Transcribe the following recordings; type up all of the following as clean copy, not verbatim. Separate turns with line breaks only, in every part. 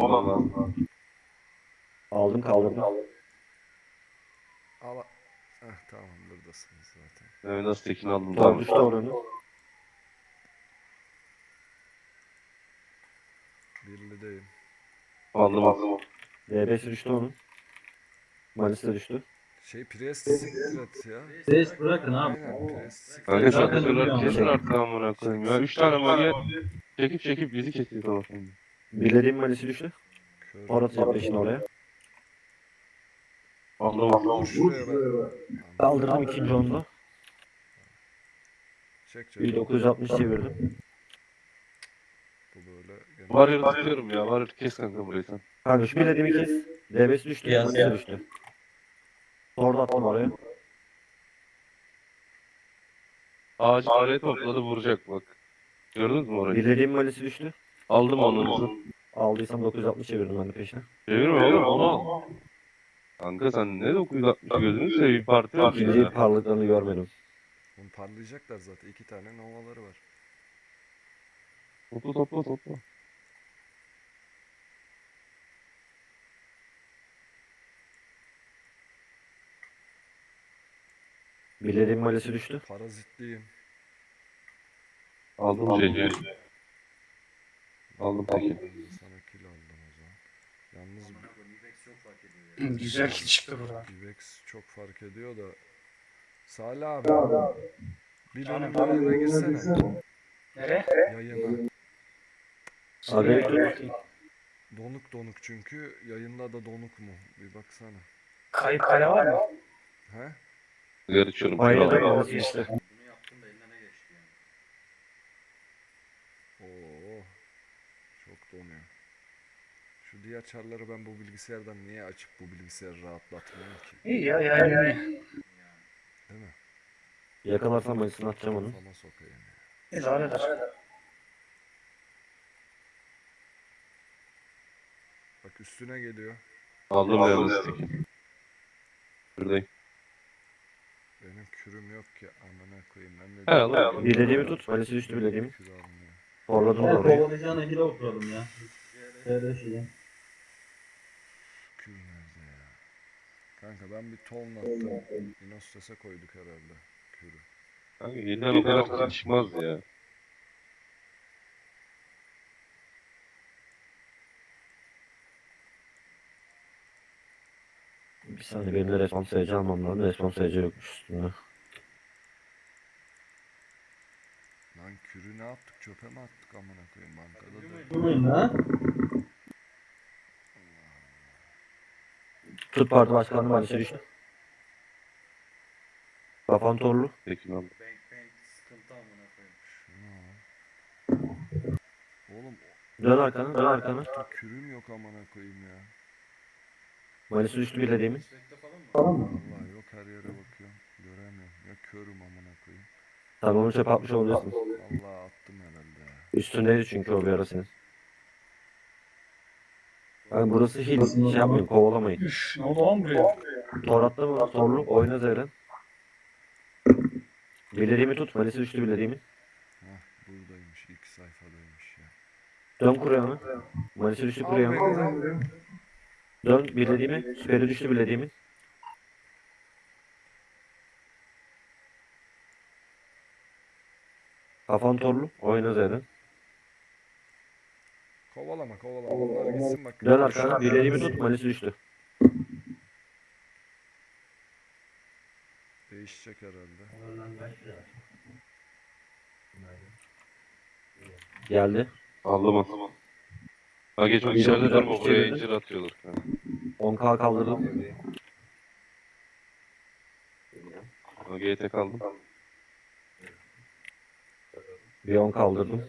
bulmam lazım.
Aldım kaldırdım.
Al. Tamam buradasınız zaten.
Evet, nasıl tekini aldım.
Tor düştü oranı.
Birlideyim.
Aldım.
D5 düştü onun. Malisi de düştü.
Priest siktir et ya.
Ses bırakın abi.
Aynen Priest siktir
Kanka
et.
sen
Zaten
de
ölüyor
kesin
ama.
artık amına koyayım ya. 3 tane mage çekip bizi kesiyor tamam.
Bilediğim malisi düştü.
Kör.
Tor atacağım peşine oraya.
Aldım.
Vur şuraya ben.
Kaldırdım ikinci onda.
Çek.
1960 çevirdim.
Bu böyle. Gene...
Var yeri tutuyorum ya. Var yeri kes kanka burayı sen.
Kanka şu bilediğimi kes. D5 düştü.
Yaz
Malisi
ya.
düştü. Tor da attım oraya.
Ağacı araya topladı vuracak bak. Gördünüz mü orayı?
Bilediğim malisi düştü.
Aldım onu.
Aldıysam 960 çevirdim ben de peşine.
Çevirme oğlum onu al. Kanka sen ne 960 gözünü seveyim parti var
İkinci
ya.
parlaklarını görmedim.
Bunu parlayacaklar zaten. 2 tane novaları var.
Topla.
Bilediğim malisi düştü.
Parazitliyim.
Aldım şeyi. Aldım peki.
Ben de sana kill aldım o zaman. Yalnız
Güzel ki çıktı buradan.
Ibex çok fark ediyor da. Salih abi. Bir benim yayına girsene.
Nereye?
Yayına.
Abi
Donuk çünkü. Yayında da donuk mu? Bir baksana.
Kayıp kale var mı?
He?
Sigara içiyorum.
Aynen
Kral.
malisi düştü.
Oo. Çok donuyor. Şu diğer çarları ben bu bilgisayardan niye açıp bu bilgisayarı rahatlatmıyorum ki?
İyi ya yani.
Değil mi?
Yakalarsam malisini atacağım onu.
Kafama sokayım ya.
İdare eder.
Bak üstüne geliyor.
Aldım yalnız teki. Buradayım.
Benim kürüm yok ki amına koyayım. Ben de
He aldım.
Bilediğimi tut. Malisi düştü bilediğimi.
kür almıyor.
Torladım da orayı.
Kovalayacağına gide oturalım ya. Şöyle şey.
Kür nerede ya? Kanka ben bir ton attım. Inostes'e koyduk herhalde kürü.
Kanka yeniden o kadar çıkmaz ya.
Bir saniye benim de respons sayıcı almam lazım. Respons sayıcı yokmuş üstünde.
Lan kürü ne yaptık? Çöpe mi attık amına koyayım bankada da.
Durmayın ha.
Tut parti başkanlığı malisi düştü. Kafan torlu.
Tekini aldım.
Şunu al. Oğlum
Dön arkana dön arkana.
o kürüm yok amına koyayım ya.
Malisi düştü bilediğimi.
Vallahi yok her yere bakıyorum. Göremiyorum. Ya körüm amına koyayım.
Tamam onu çöpe atmış olabilirsin.
Vallahi attım herhalde ya.
Üstündeydi çünkü o bir ara senin. Yani burası hiç şey yapmayın kovalamayın.
Üf, ne oldu lan buraya?
Tor attı mı? Torlu oyna Zeren. Bilediğimi tut. Malisi düştü bilediğimi.
Hah buradaymış. İlk sayfadaymış ya.
Dön kuryana. Malisi düştü
Al
kuryana.
beni al.
Dön bilediğimi. Süperi düştü bilediğimi. Kafan torlu. Oyna Zeren.
Kovalama. Onlar gitsin bak.
Dön arkana. Bilediğimi tut. Malisi düştü.
Değişecek herhalde.
Geldi.
Aldım. Ha geçmek içeride durma buraya incir atıyorlar. Ha.
10k kaldırdım.
Ha, GT kaldım.
Bir 10 kaldırdım.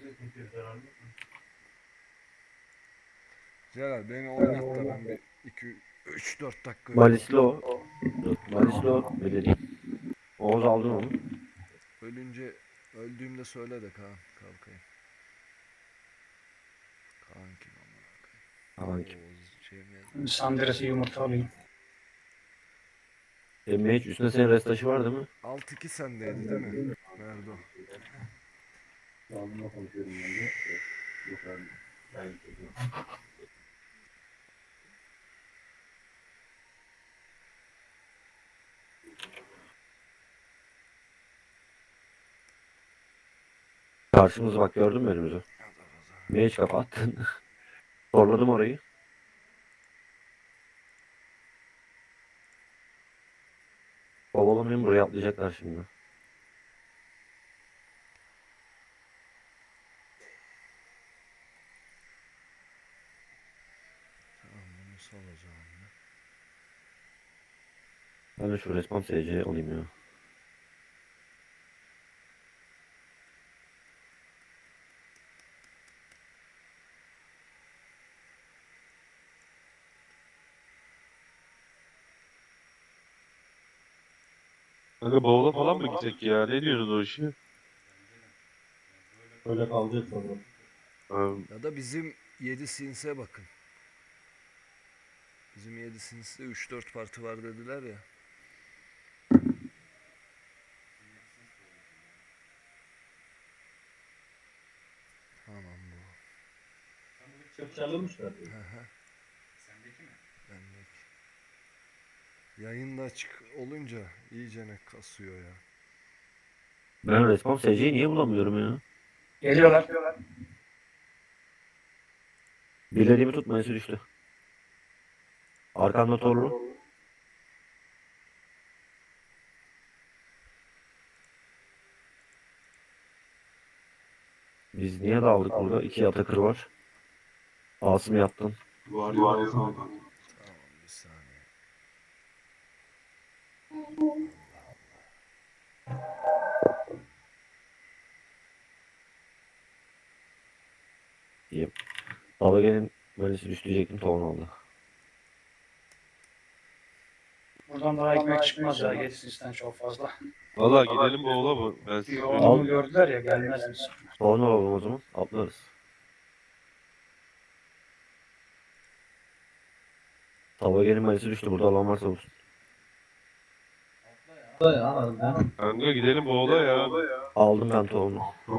Celal beni oynat da ben bir 2-3-4 dakika
Malisli o. Dur. Malisli o. Bilediğim. Oğuz aldın onu.
öldüğümde söyle de Kaan kalkayım. Kaan kim amına
Kaan
koyayım?
kim?
Oğuz şey mi yazdı?
Sandras'ı yumurta alayım.
Mage üstünde senin restaşı var değil mi?
6-2 sendeydi değil mi? Nerede o?
Karşımızı bak, gördün mü önümüzü? Niye hiç kafa attın? Zorladım orayı. Kovalamayın, buraya atlayacaklar şimdi.
Tamam, bunu salacağım ya.
Ben de şu respawn SC alayım ya.
Kanka bavula falan mı gitsek ya? Ne diyorsunuz o işi?
Böyle kalacak sonra.
Ha,
Ya da bizim 7 Sins'e bakın. Bizim 7 Sins'te 3-4 parti var dediler ya. Tamam bu.
Çarpışmışlar.
Hı hı. Bendeki. Yayında açık olunca iyicene kasıyor ya.
Ben respawn SC'yi niye bulamıyorum ya?
Geliyorlar.
Bilediğimi tutmayası düştü. Arkamda torlu. Biz niye dağıldık burada? İki Atakır var. Asım yaptın.
Tamam, bir saniye.
Diyeyim. Alage'nin böylesi düştü diyecektim, tavan aldı.
Buradan daha ekmek çıkmaz ya, Getsins'ten çok fazla.
Valla gidelim bavula mı? Ben
Bir
size
yoğunluğu gördüler ya, gelmez misin?
Tavan alalım o zaman. Atlarız. Alage'nin böylesi düştü. Burada alan varsa olsun.
Kanka gidelim bavula ya.
Aldım ben tavanı.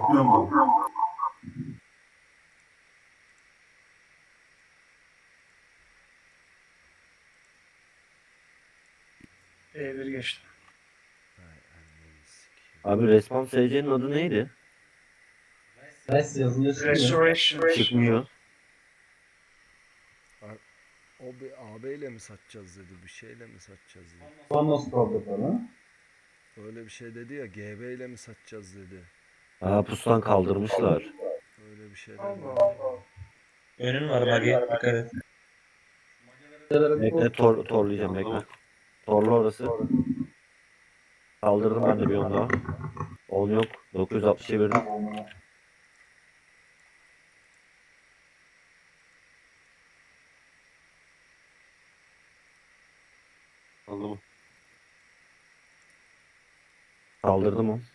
E1 geçti.
Hay anneni sikeyim.
Abi respawn SC'nin adı neydi?
Res yazınca çıkıyor.
Restoration.
Çıkmıyor.
O bir AB ile mi satacağız dedi, bir şeyle mi satacağız dedi.
Fanos programı.
Öyle bir şey dedi ya, GB ile mi satacağız dedi.
Aa, pustan kaldırmışlar.
Öyle bir şeyler
Allah
dedi.
Allah.
Önün var Magi. Dikkat et.
Bekle, torlayacağım, bekle. Torlu orası. Kaldırdım ben de bir 10 daha. 10 yok. 960 çevirdim.
Aldım mı?
Kaldırdım o.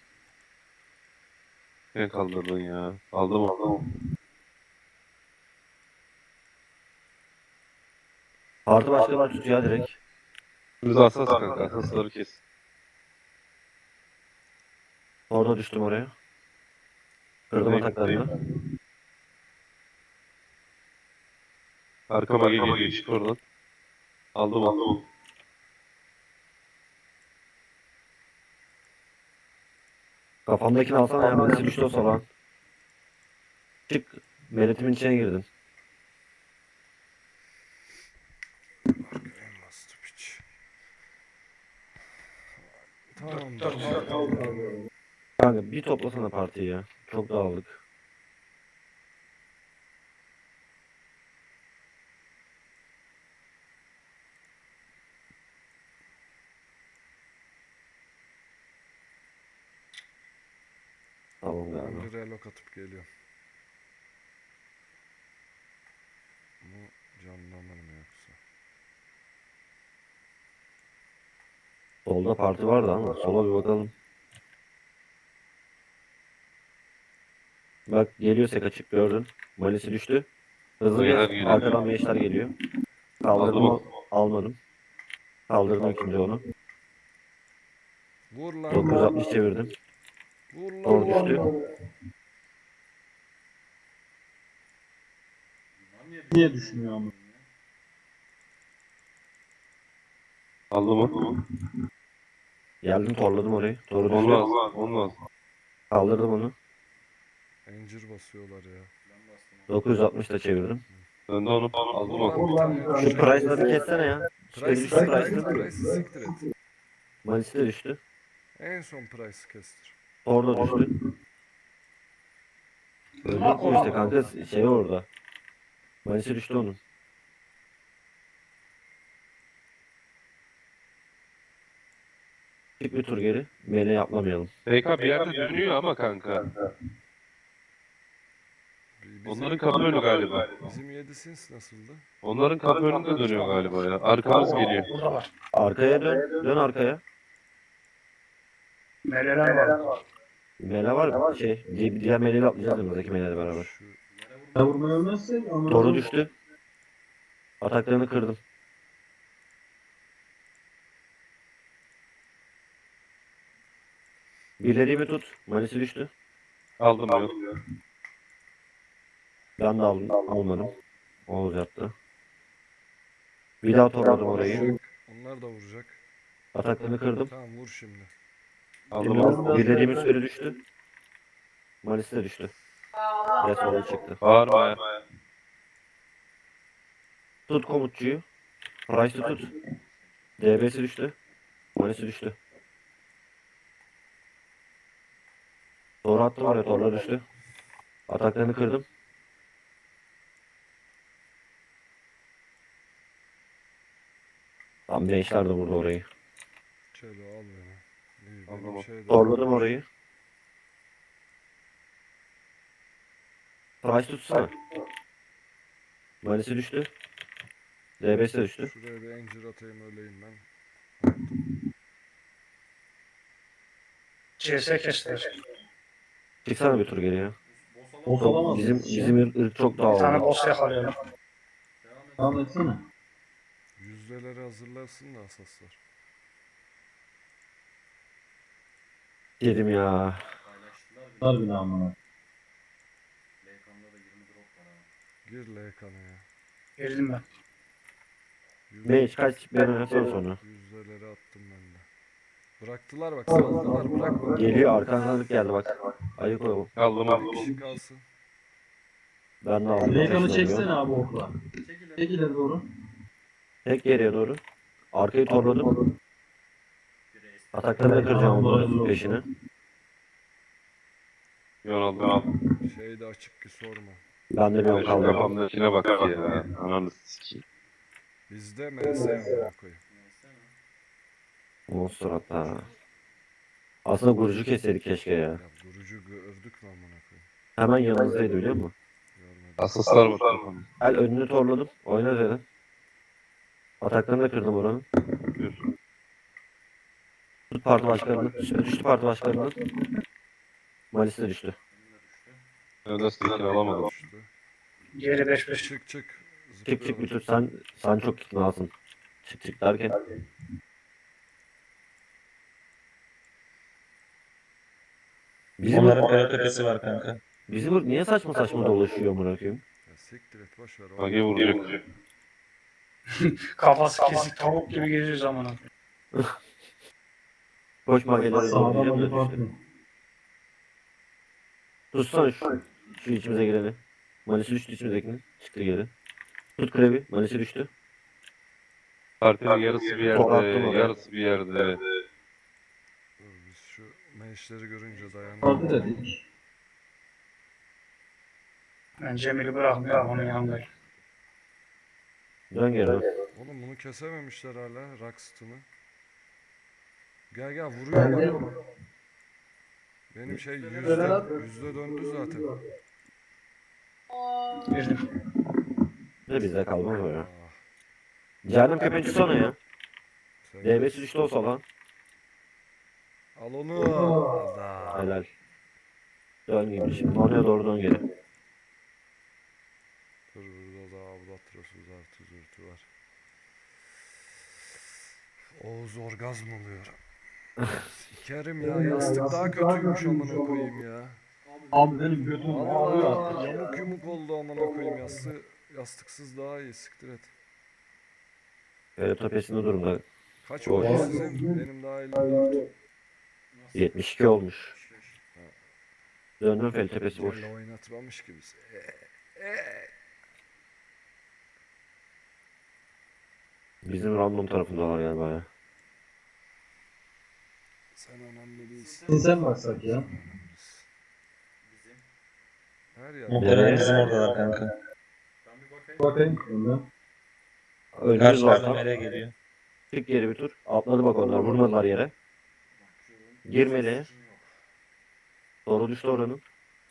Ne kaldırdın ya? Aldım.
Parti başkanı tut ya direkt.
Biz asas kanka. Asasları kes.
Orada düştüm oraya. Kırdım ataklarını.
Arkama geliyor. Çık oradan. Aldım.
Kafamdakini alsana ya. Birisi düştü o salağın. Çık. Meletimin içine girdin.
Arkaya bastı piç. Tamam.
Kanka bir toplasana partiyi ya. Çok dağıldık. Tamam
Ben
galiba.
bir relok atıp geliyorum. Bu canlanır mı yoksa?
Solda parti vardı ama sola bir bakalım. Bak geliyor sek açık, gördün. Malisi düştü. Hızlı
Meğer
geç.
geliyor.
Arkadan meşler geliyor. Kaldırdım,
Aldım.
almadım. Kaldırdım ikinci onu.
Vur lan.
960 çevirdim.
Vur lan.
Doğru düştü.
Niye düşünüyor ama?
Aldım.
Geldim torladım orayı. Doğru düştü.
Olmaz.
Kaldırdım onu.
Encir basıyorlar ya.
960 da çevirdim.
Ben de onu aldım bak.
Oradan bir tane
Şu price'ları kessene ya. Şöyle
Price,
düştü
Price'ı
price'ı.
siktir et.
Malisi de düştü.
En son Price'ı kestir.
Orada düştü. Öldük mü işte kanka şey orada. Malisi düştü onun. Çık bir tur geri. Mele yapmamayalım.
TK bir yerde dönüyor ama kanka. Onların kapı önü galiba.
Bizim 7 sins nasıldı?
Onların kapı önünde dönüyor galiba ya. Arkamız geliyor.
Burada var.
Arkaya dön. Dön arkaya.
Meleler var.
Mele var. Diğer meleyle atlayacağız önümüzdeki meleyle beraber.
Şu
Ya vurmayı ölmezsek onu...
Doğru düştü. Ataklarını kırdım. Birlediğimi tut. Malisi düştü.
Aldım yok.
Ben de almadım. Oğuz yaptı. Bir daha topladım orayı.
onlar da vuracak.
Ataklarını kırdım.
Tamam vur şimdi.
Aldım.
Birlediğimiz süre düştü. Malisi de düştü. Resmen çıktı.
Bağırma ya.
Tut komutçuyu. Price'ı tut. DB'si düştü. Malisi düştü. Doğru attım oraya. Torla düştü. Ataklarını kırdım. Tam gençler de vurdu orayı.
Çelo al beni. İyi,
Tamam.
benim şey de...
Torladım orayı. Price tutsana. Malisi düştü. DB'si de düştü.
Şuraya bir encir atayım öleyim ben.
CS kestiler.
Çıksana bir tur geriye.
Boss olamaz.
Bizim ırk çok
Bir tane
dağıldı.
boss yakalayalım.
Devam etsene.
Yüzdeleri hazırlasın da asaslar.
Dedim ya.
Var bile amına.
Gir LK'na ya.
Girdim ben.
Mage kaç ben oynasam sonra.
Yüzdeleri attım ben de. Bıraktılar bak saldılar bırakma.
Geliyor arkandan geldi bak. Ayık ol.
Aldım.
Bir kişi kalsın.
Ben de aldım.
Lekanı
Peşine
çeksene
gidiyorum.
abi okla. Çek ileri doğru.
Tek geriye doğru. Arkayı torladım. Ataklarını da kıracağım onların peşine.
Yon aldım.
Şey de açık ki sorma.
Ben de bir
Ben
an
şu
kaldım.
kafamdakine bak ya. Ananı sikeyim.
Bizde MS amına koyayım.
Monster hatta. Aslında gurucu keseydik keşke ya.
Ya vurucu gördük mü amına koyayım?
Hemen yanımızdaydı biliyor musun?
Görmedim.
Asaslar var kafamda.
El önünü torladım. Oyna dedim. Ataklarını da kırdım oranın.
Gör.
Tut parti başkanını. Düştü parti başkanını. Malisi de düştü.
Ben de stekini alamadım.
Düştü.
Geri 5-5.
Çık çık.
Çık çık bir tut sen çok iknasın. Çık çık derken. Bizim
Onların kara tepesi var kanka.
bizim ırk niye saçma saçma dolaşıyor amına koyayım?
Ya siktir et boş ver.
Mage vuracak.
Kafası kesik tavuk gibi geziyor zamanı.
Koş magelere
Sağdan
doğru
alıp
düştü.
atıyor.
Tutsana şu içimize gireni. Malisi düştü içimizdekinin. Çıktı geri. Tut krevi. Malisi düştü.
Partinin yarısı bir
Çok attım
yerde.
oraya.
Yarısı bir yerde. Evet.
Dur biz şu meşleri görünce
Parti
dayanamadık.
dedik.
Ben Cemil'i bırakmıyorum onun yanındayım.
Dön geri. dön.
Oğlum bunu kesememişler hala Rockston'u. Gel gel vuruyor bak. Benim şey yüzde döndü zaten.
Girdim.
Ne bizde kalmaz o ya.
Ah,
Cehennem köpeği tutsana ya.
sen
DB'si düştü olsa lan.
al onu. Ada.
Helal. Dön gibi şimdi. Oraya doğru dön geri.
Dur burada da Albatros'uz artı zürtü var. Oğuz orgazm oluyor. Sikerim ya yastık daha kötüymüş amına koyayım ya.
Abi benim götüm ağrıyor
Allah
artık.
yamuk yumuk oldu amına koyayım yastıksız daha iyi siktir et.
Tepesinde durumda.
Kaç
Doğru.
oldu sizin? Benim daha 54.
72 olmuş. Döndüm fel tepesi boş.
Gel oynatmamış gibi.
Bizim random tarafındalar galiba ya.
Sen önemli değilsin.
Sen baksak ya.
Sen önemlisin. Her yer.
Muhtemelen bizim oradalar kanka. Bakayım şunda.
Önümüz
Karşılardan
var.
nereye geliyor?
Çık geri bir tur. Atladı bak onlar. Vurmadılar yere. Girmeli. Doğru düştü oranın.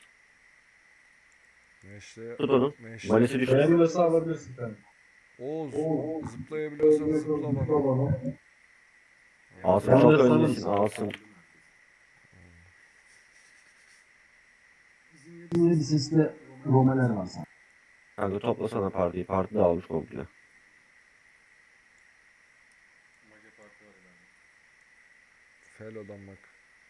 Meşte,
Tut onu.
meşte.
Malisi düştü.
Beğenmiyorsa alabilirsin sen.
Oğuz, zıplayabiliyorsan zıpla bana.
Asım
Ben
çok
de sana-
öndesin. Asım.
Bizim sesle romeler var sana.
Kanka toplasana partiyi. Parti dağılmış komple.
Felo'dan bak.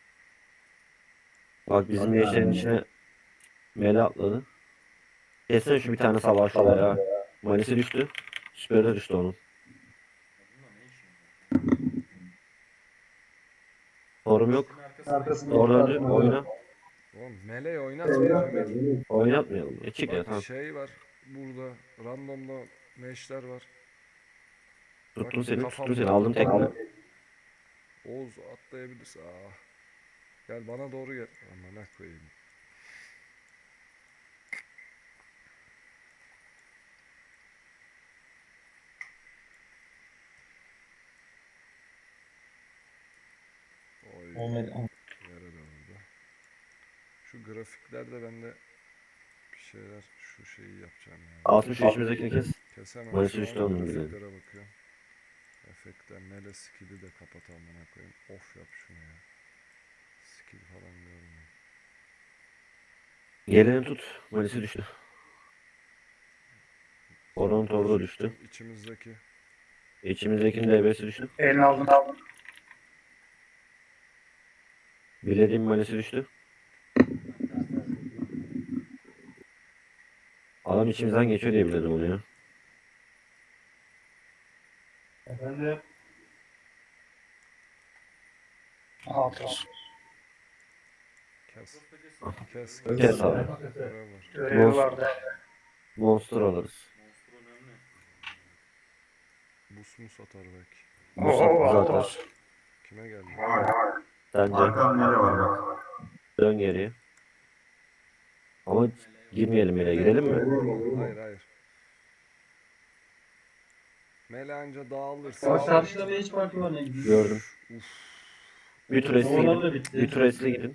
Bak bizim gençlerin içine Mele atladı. Kessene şu bir tane savaş şuraya ya. Malisi düştü. Süperi de düştü onun. Sorum yok.
Arkasında
Doğru döndü. Oyna.
Oğlum meleği oynatmayacağım.
Oynatmayalım. Çık ya
Bak
tamam.
şey var burada. Randomda meşler var.
Tuttum
Bak,
seni.
kafam
Tuttum seni.
var.
Aldım tekne.
Oğuz atlayabilirsin. Gel bana doğru gel. Amına koyayım. Oy. Yere döndü. Şu grafiklerde bende bir şeyler şu şeyi yapacağım ya.
60 yaşımızdakini kes.
Kesemem.
Malisi
Şu
düştü
an
onun bile.
grafiklere bakıyorum. Efektler, mele skill'i de kapat amına koyayım. Off yap şunu ya. Skill falan görmüyorum.
Geleni tut. Malisi düştü. Oranın torda düştü.
İçimizdeki.
İçimizdekinin DB'si düştü.
Elini aldın.
Bilediğim malisi düştü. Adam içimizden geçiyor diye bildim onu ya.
Efendim.
Alt olsun.
Kes. Kes.
Kes abi.
Görev var.
Görevi vardı.
Monster alırız.
Bus mu satar belki.
Bu
Oo, alt
zaten.
olsun.
Kime geldi?
Sence dön geriye. Ama girmeyelim bile. Girelim mi?
Hayır hayır. Mele anca dağılırsa.
Bak karşıda bir hiç parti var ne gidiyor.
Gördüm.
Uf.
Bir tur esli
Oralar da
gidin.
bitti.
Bir tur esli gidin.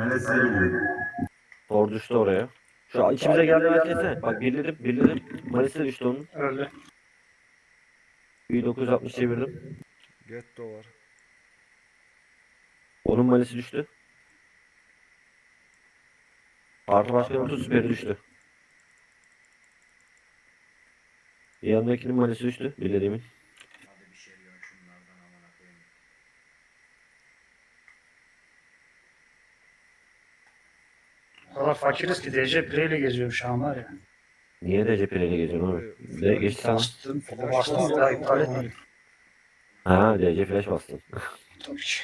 Tor düştü oraya. Şu içimize geldi ben kese. Bak birledim. Malisi düştü onun.
Öldü.
1960 çevirdim.
Getto var.
Onun malisi düştü. Parti başkanı tut süperi düştü. Yanındakinin malisi düştü. Bilediğimin.
O kadar fakiriz ki DC Pire'yle geziyorum şu an var ya.
Niye de cepheyle geziyorsun oğlum? De geçti sana.
Bastım. Bastım bir daha iptal etmedim.
Ha DC flash bastın.
Tabii ki.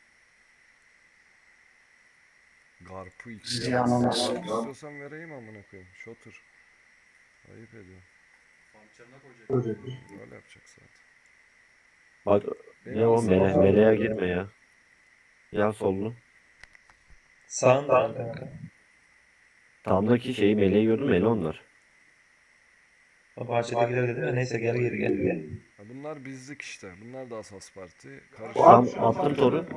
Garpı iç.
Ziyan olmaz.
İstiyorsan vereyim amına koyayım. Shotter. Ayıp ediyor. Öyle yapacak zaten.
Bak ne o meleğe girme ya. Yan sollu.
Sağında kanka.
Sağımdaki şeyi meleği gördün mü? Mele onlar.
O bahçedekiler dedi ya neyse gel.
Ha, bunlar bizlik işte. Bunlar da asas parti.
Tam
Karışık.
attım toru.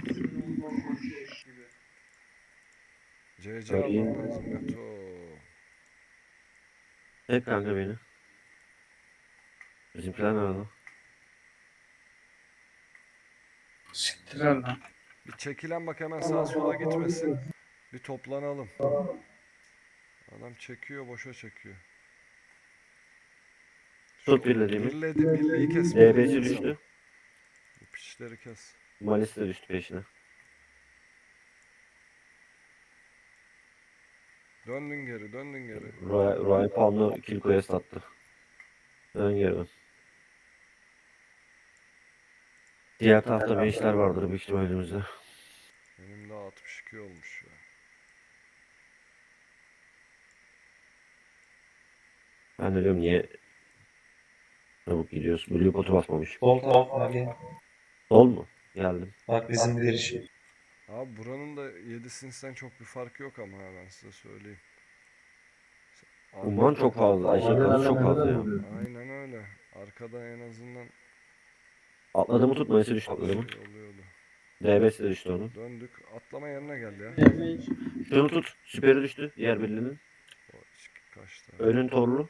CC
Bak, iyi.
almam lazım. Beto.
Hep kanka beni. Bizimkiler nerede?
Siktir lan.
Bir çekilen bak hemen sağa sola gitmesin. Bir toplanalım. Adam çekiyor, boşa çekiyor.
Tut birlediğimi.
Birliği kes.
DB'si düştü.
Bu piçleri kes.
Malisi de düştü peşine.
Döndün geri.
Roy Palm'la kill quest attı. Dön geri dön. Diğer tarafta bir işler vardır büyük ihtimal elimizde.
Benim daha 62 olmuş ya.
Ben de diyorum niye çabuk gidiyoruz. Blue potu basmamış.
Sol taraf Magi.
Sol mu? Geldim.
Bak bizim girişi.
Abi buranın da 7'sinden çok bir farkı yok ama ha, ben size söyleyeyim.
Umman çok fazla. Ayşe kılıç çok fazla ya.
Aynen öyle. Arkada en azından
Atladığımı tut. Mayıs'ı düştü atladığımı.
şey oluyordu.
DB'si de düştü onun.
Döndük. Atlama yerine gel ya.
Şunu tut. Süperi düştü. Diğer birliğinin.
O kaçtı.
Önün torlu.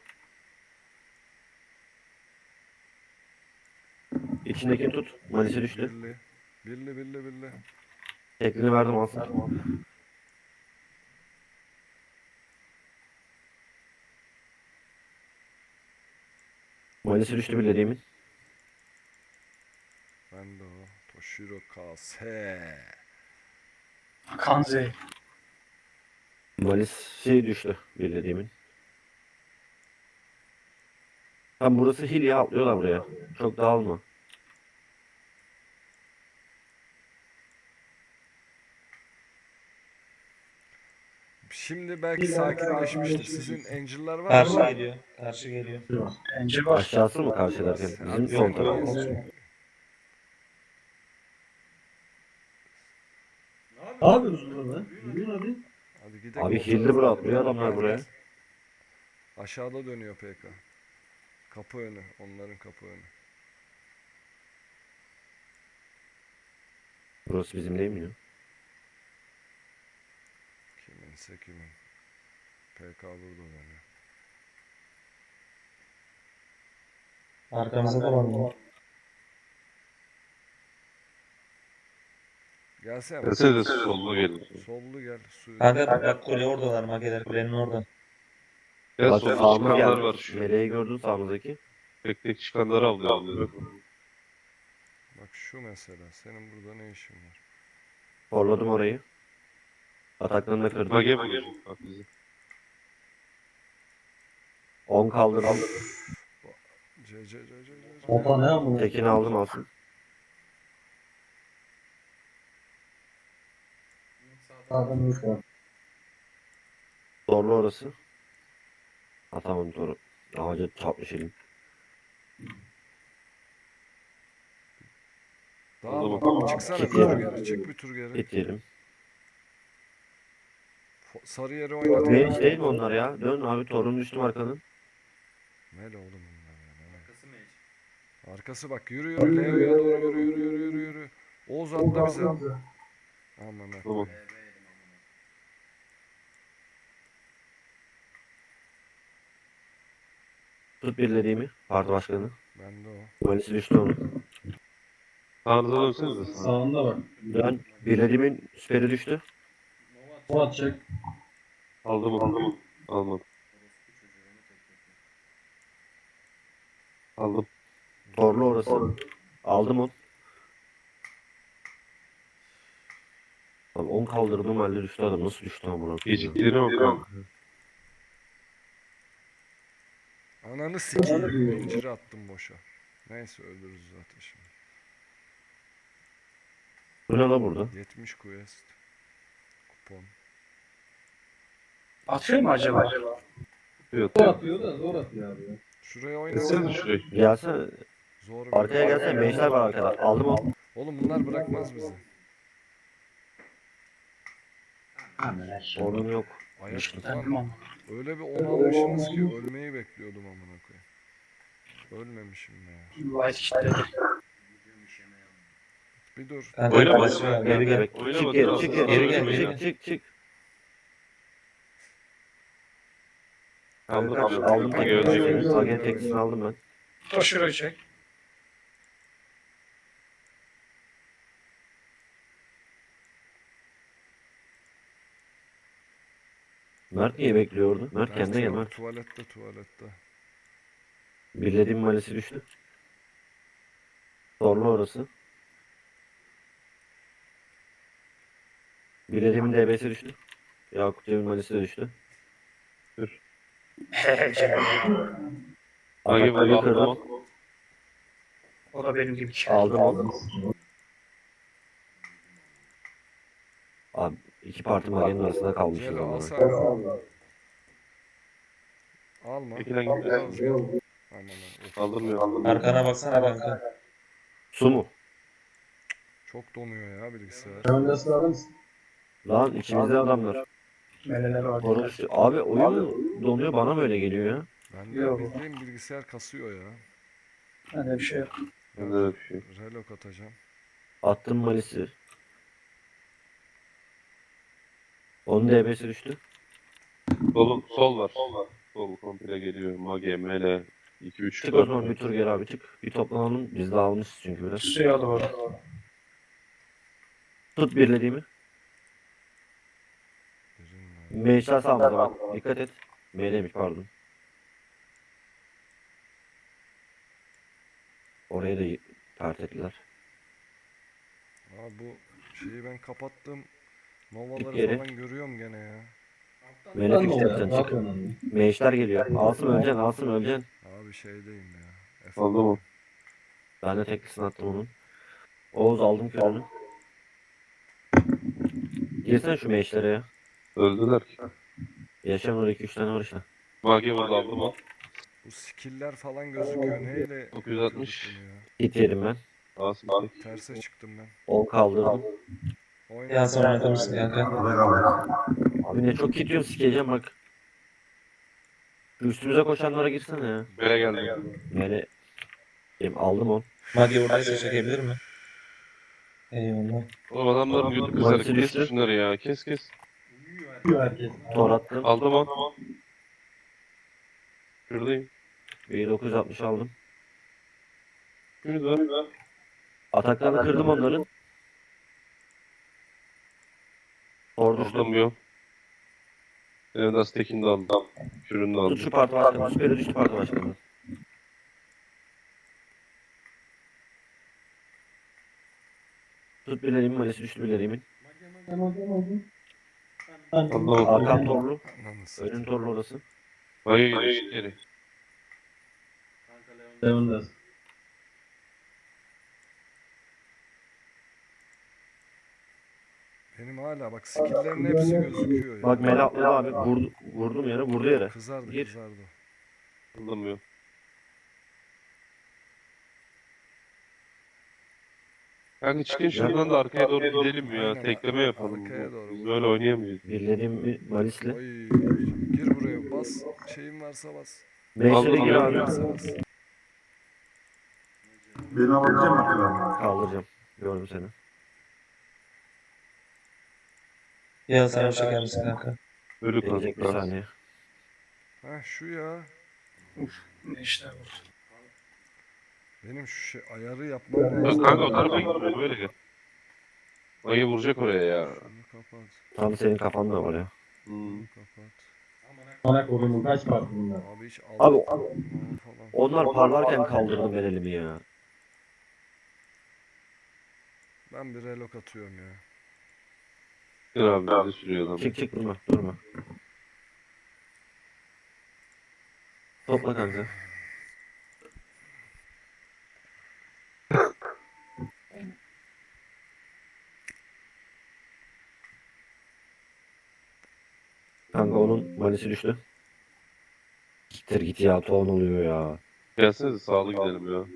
İçindekini tut. Mayıs'ı düştü.
Birli. Birli birli birli.
Teklini verdim alsın. Mayıs'ı düştü birlediğimin.
Ben de o. Toshiro Kase.
Kanze.
Mayıs'ı düştü birlediğimin. Tam burası hil ya atlıyorlar buraya. Çok dağılma.
Şimdi belki sakinleşmiştir. Sizin Angel'lar var
Karşı
mı?
geliyor. Karşı geliyor.
Bence var.
Aşağısı mı karşılarken? Bizim sol taraf.
Ne yapıyorsunuz burada? Yürüyün hadi.
Hadi gidelim.
Abi hilli bura atlıyor adamlar buraya.
Aşağıda dönüyor PK. Kapı önü. Onların kapı önü.
Burası bizim değil mi ya?
Kiminse kimin. PK burada dönüyor.
Arkamızda da var mı?
Gelsene.
Mercedes sollu gelir.
Sollu gel. Suyu.
Kanka bak kule oradalar Magiler kulenin orada.
Ya
Bak
solda
sağımız
çıkanlar
geldi.
var şu.
Meleği gördün sağımızdaki.
Tek tek çıkanları avlıyor.
Bak şu mesela. Senin burada ne işin var?
Forladım orayı. Ataklarını da kırdım.
Mage vuracak bak bizi.
10 kaldırdım.
C.
Opa ne amına?
Tekini aldım alsın.
Sağdan yok ya.
Zorlu orası. Atamam doğru. Ağaca çarpmış elim.
Daha
Tamam.
çıksana bir
Gidiyorum.
tur geri. Çık bir tur geri.
Git diyelim.
Sarı yere oynat.
Mage değil mi onlar ya? Dön abi torun düştüm arkanın.
Mele oğlum bunlar ya. Mele. Arkası bak. Yürü yürü. Leo'ya doğru yürü. Oğuz atla bize. Aman ha.
Tamam.
Tut birlediğimi. Parti başkanı.
Ben de o.
Malisi düştü onun.
Sağınıza dönsenize.
Sağında bak.
Dön. Birlediğimin süperi düştü.
O atacak.
Aldım onu. Almadım. Aldım.
Torlu orası. Aldım onu. Abi 10 kaldırdım halde düştü adam. Nasıl düştü amına koyayım ya?
Geciktiğine bak kanka.
Ananı sikeyim. İnciri attım boşa. Neyse ölürüz zaten şimdi.
Bu ne la burada?
70 quest. Kupon.
Atıyor mu acaba?
Evet.
Zor atıyor da zor atıyor abi ya.
Şuraya
Desene
oynama.
şuraya.
Gelsene.
Zor
Arkaya gelsene. Mage'ler var arkada. Aldım onu.
Oğlum bunlar bırakmaz bizi.
Sorun yok.
Ayak
Tamam.
lan. Öyle bir 10 almışsınız ki ölmeyi bekliyordum amına koyayım. Ölmemişim ya.
White kitledi.
Bir dur.
Kanka
Oyna
kalesi
bak.
var. Geri gel.
Oyna
Çık
bak,
geri,
biraz
çık
daha
geri,
oyna.
geri, çık.
Aldım.
Aldım
Mage
tekini.
ölecek.
Sagen tekisini aldım ben.
Toshiro çek.
Mert niye bekliyordu? Mert kendine gel
yok,
Mert.
tuvalette.
Birlediğim malisi düştü. Zorlu orası. Birlediğimin DB'si düştü. Yakup Cem'in malisi de düştü.
Mage
Atakları kırdım.
vurdu.
O da benim gibi çek.
Aldım. Abi iki parti magenin arasında kalmışız
Celo
ama.
al sen. Alma.
Tekilen gitmesin.
Aman aman.
Kaldırmıyor.
Arkana baksana kanka.
Su mu?
Çok donuyor ya bilgisayar.
Önde sıralar mısın?
Lan içimizde adamlar.
Meleler var.
Konuş. Abi oyun donuyor bana böyle geliyor ya.
Ben de
Yok.
bildiğim bilgisayar kasıyor ya.
Öyle bir şey yok.
Bende de bir şey.
Relok atacağım.
Attım malisi. Onun DB'si düştü.
Sol var. Sol komple geliyor. Mage, mele. 2-3
Çık o zaman bir tur geri abi çık. Bir toplanalım. Biz de almışız çünkü biraz.
Suya doğru.
Tut birlediğimi.
Birin var.
Meşler sağımıza bak. Dikkat et. M'deymiş pardon. Orayı da tart ettiler.
Aa, bu şeyi ben kapattım.
Git
Novaları
geri.
falan görüyorum gene ya.
Melek
Ne
işte
oluyor?
sen
Ne
çık.
yapıyorsun?
Meşler geliyor. Alsın öleceksin alsın öleceksin.
Abi şeydeyim ya.
Aldı mı?
Ben de teklisini attım onun. Oğuz aldım körünü. Girsene şu meşlere ya.
Öldüler ki.
Yaşayan orada 2-3 tane var işte.
Mage vurdu aldı mı?
Bu skill'ler falan gözüküyor. Neyle
960.
yapıyorduk bunu ya?
Hit yedim ben.
Asım tek.
Terse çıktım ben.
10 kaldırdım.
Oyna.
Ya sonra oynatabilirsin kanka.
Abi ne çok hit yiyorum sikeceğim bak. Şu üstümüze koşanlara girsene ya.
Bere geldi.
Mele. Aldım on.
Magi buradaysa çekebilir mi? Eyvallah.
Oğlum adamların götü kızarık.
Manisi
Kes
düştü.
şunları ya. Kes.
Uyuyor herkes.
Tor attım.
Aldım mı? Şuradayım.
Bir 960 aldım.
Şurada.
Ataklarını kırdım onların. Tor düştü.
Aldım yok. Evdas Tekin'i de aldım. Şürünü de
Tut
aldım.
şu parti başkanı. Süperi düştü parti başkanı. Tut bilediğimin malisi düştü bilediğimin.
Aldım.
Arkam torlu.
Ananı satayım.
Önün torlu orası.
Mage geliyor. Geri.
Önde.
Benim hala bak skill'lerin hepsi gözüküyor ya.
Bak Mele atladı abi. Vurdum yere vurdu yere.
Kızardı
Gir.
kızardı.
Aldım yok. Kanka çıkın şuradan da arkaya doğru gidelim ya.
Aynen,
Tekleme yapalım.
arkaya doğru.
Biz böyle oynayamayız.
Birlediğim malisle.
Oy, gir buraya bas. Şeyin varsa bas.
Meşlere gir
Aldım.
abi.
Varsa bas.
Beni alacak mı?
Kaldıracağım. Gördüm seni.
Ya sana bir çeker misin kanka?
Ölü
Gelecek bir
kanka.
saniye.
Ha şu ya.
Ne işler bu?
Benim şu şey ayarı yapmam
Ya
lazım.
kanka o tarafa gitme böyle gel. Mage vuracak oraya ya.
Şunu kapat.
Tam senin kafanda var ya.
Hmm.
Şunu kapat.
Bana kodumun kaç parti bunlar?
Abi hiç
Abi
falan.
onlar parlarken kaldırdım ben elimi ya.
Ben bir relok atıyorum ya.
Gel abi bizi sürüyor adam.
Çık durma durma. Topla kanka. Kanka onun malisi düştü. Gittir git ya ton oluyor ya.
Gelsenize sağlı gidelim ya.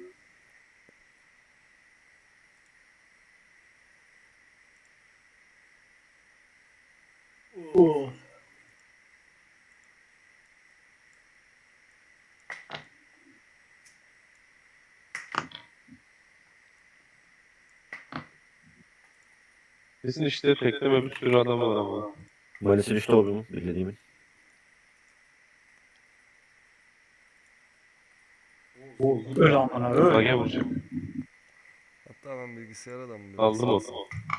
Kesin işte tekleme bir sürü adam var ama.
Malisi düştü oğlum bildiğimin.
Öl amına öl.
Mage vuracak.
Hatta ben bilgisayara da mı
Aldım o.